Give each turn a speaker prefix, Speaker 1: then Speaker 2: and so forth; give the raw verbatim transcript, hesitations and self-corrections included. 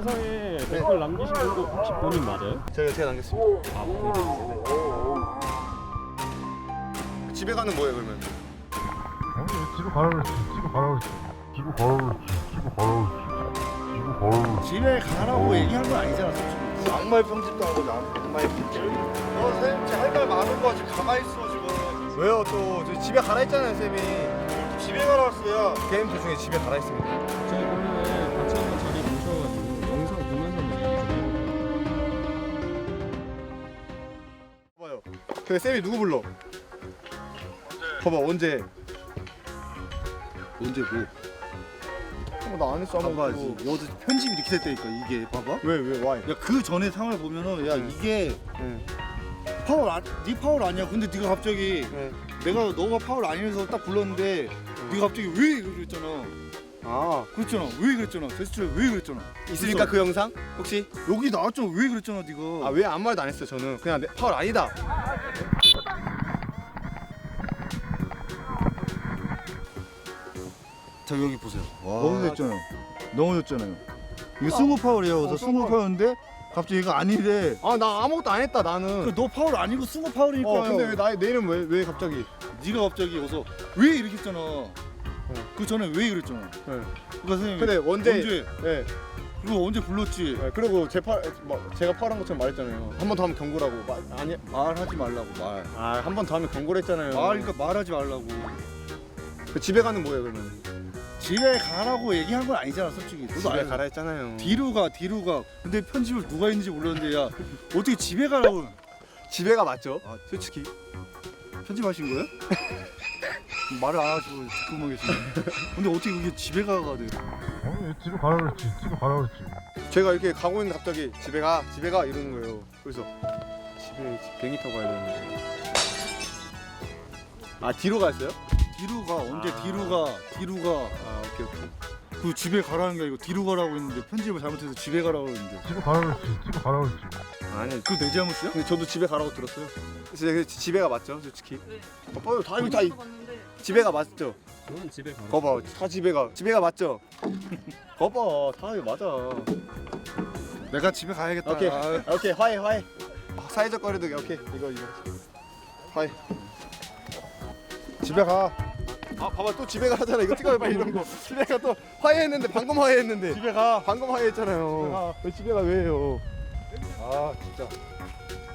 Speaker 1: 영상에 댓글 남기신 분도 혹시 본인 맞아요?
Speaker 2: 제가 제가 남겼습니다.
Speaker 1: 아, 본인.
Speaker 2: 집에 가는 뭐예요 그러면?
Speaker 3: 아니 집에 가라 그랬지. 집에 가라 그랬지. 집에 가라 그랬지. 집에 가라 그랬지. 집에 가라 그랬지.
Speaker 4: 집에 가라고 얘기한 건 아니잖아 솔직히.
Speaker 2: 악마의 편집도 하고 악마의 편집. 어 쌤, 제 할 말 많은 거 지금 가만히 있어 지금. 왜요 또? 저 집에 가라 했잖아요 쌤이. 집에 가라 했어요. 게임 도중에 집에 가라 했습니다.
Speaker 1: 저희 그러면 같이 한번 자리 모셔가지고 영상 보면서 얘기해주세요.
Speaker 2: 봐요. 근데 쌤이 누구 불러? 봐봐 언제?
Speaker 4: 언제 뭐?
Speaker 2: 어, 나안 했어 아무것도.
Speaker 4: 봐봐야지. 여기서 편집이 이렇게 됐다니까 이게 봐봐.
Speaker 2: 왜 왜 와이?
Speaker 4: 야 그 전에 상황을 보면은 야
Speaker 2: 네.
Speaker 4: 이게
Speaker 2: 네.
Speaker 4: 파울 아, 네 파울 아니야. 근데 네가 갑자기
Speaker 2: 네.
Speaker 4: 내가 너가 파울 아니면서 딱 불렀는데 네가 갑자기 왜 그랬잖아.
Speaker 2: 아
Speaker 4: 그랬잖아. 왜 그랬잖아. 제스처에 왜 그랬잖아.
Speaker 2: 있으니까 그 영상 혹시?
Speaker 4: 여기 나왔잖아. 왜 그랬잖아 네가.
Speaker 2: 아 왜 아무 말도 안 했어 저는. 그냥 내, 파울 아니다.
Speaker 4: 자 여기 보세요.
Speaker 2: 와.
Speaker 4: 넘어졌잖아요. 넘어졌잖아요. 이거 승우 파울이에요. 그래서
Speaker 2: 어,
Speaker 4: 승우
Speaker 2: 승우
Speaker 4: 파울인데 갑자기 얘가 아니래.
Speaker 2: 아 나 아무것도 안 했다 나는.
Speaker 4: 그 너 파울 아니고 승우 파울이니까요.
Speaker 2: 어 근데 왜 나 내 이름 왜 왜 갑자기?
Speaker 4: 네가 갑자기 여기서 왜 이렇게 했잖아. 그 전에 왜 그랬잖아.
Speaker 2: 네.
Speaker 4: 그러니까 선생님
Speaker 2: 근데 언제?
Speaker 4: 언제?
Speaker 2: 네.
Speaker 4: 그거 언제 불렀지?
Speaker 2: 네. 그리고 제파 뭐 제가 파란 것처럼 말했잖아요. 한 번 더 하면 경고라고. 말 아니.
Speaker 4: 말하지 말라고 말.
Speaker 2: 아 한 번 더 하면 경고를 했잖아요.
Speaker 4: 말 그러니까 말하지 말라고.
Speaker 2: 그 집에 가는 뭐예요 그러면?
Speaker 4: 집에 가라고 얘기한 건 아니잖아 솔직히. 너도
Speaker 2: 집에
Speaker 4: 알고.
Speaker 2: 가라 했잖아요.
Speaker 4: 뒤로 가 뒤로 가. 근데 편집을 누가 했는지 몰랐는데 야 어떻게 집에 가라고?
Speaker 2: 집에가 맞죠?
Speaker 4: 아,
Speaker 2: 솔직히.
Speaker 4: 편집하신 거예요? 말을 안 하시고 듣고만 계시네. 근데 어떻게 그게 집에 가가 돼?
Speaker 3: 아니 집에 가라 그랬지. 집에 가라 그랬지.
Speaker 2: 제가 이렇게 가고 있는데 갑자기 집에 가 집에 가 이러는 거예요. 그래서 집에 비행기 타고 가야 되는데. 아 뒤로 갔어요?
Speaker 4: 뒤로 가 언제
Speaker 2: 아.
Speaker 4: 뒤로 가 뒤로 가.
Speaker 2: 아 오케이 오케이.
Speaker 4: 그 집에 가라는 게 아니고 뒤로 가라고 했는데 편집을 잘못해서 집에 가라고 했는데
Speaker 3: 집에 가라 그랬지. 집에 가라 그랬지.
Speaker 2: 아니
Speaker 4: 그거 내 잘못이야?
Speaker 2: 근데 저도 집에 가라고 들었어요. 제 집에가 맞죠 솔직히. 어, 봐요 다 이거 다 이- 집에가 맞죠?
Speaker 1: 저는 집에 가.
Speaker 2: 거봐 다 집에가 집에가 맞죠? 거봐 다 이거 맞아.
Speaker 4: 내가 집에 가야겠다.
Speaker 2: 오케이
Speaker 4: 아,
Speaker 2: 오케이 화해 화해. 아, 사회적 거리두기 오케이 이거 이거 화해. 집에 가. 아 봐봐 또 집에 가잖아 이거 찍어요 빨리 이런 거. 집에 가 또 화해했는데 방금 화해했는데. 집에 가. 방금 화해했잖아요. 왜 집에 가 왜요? 아 진짜.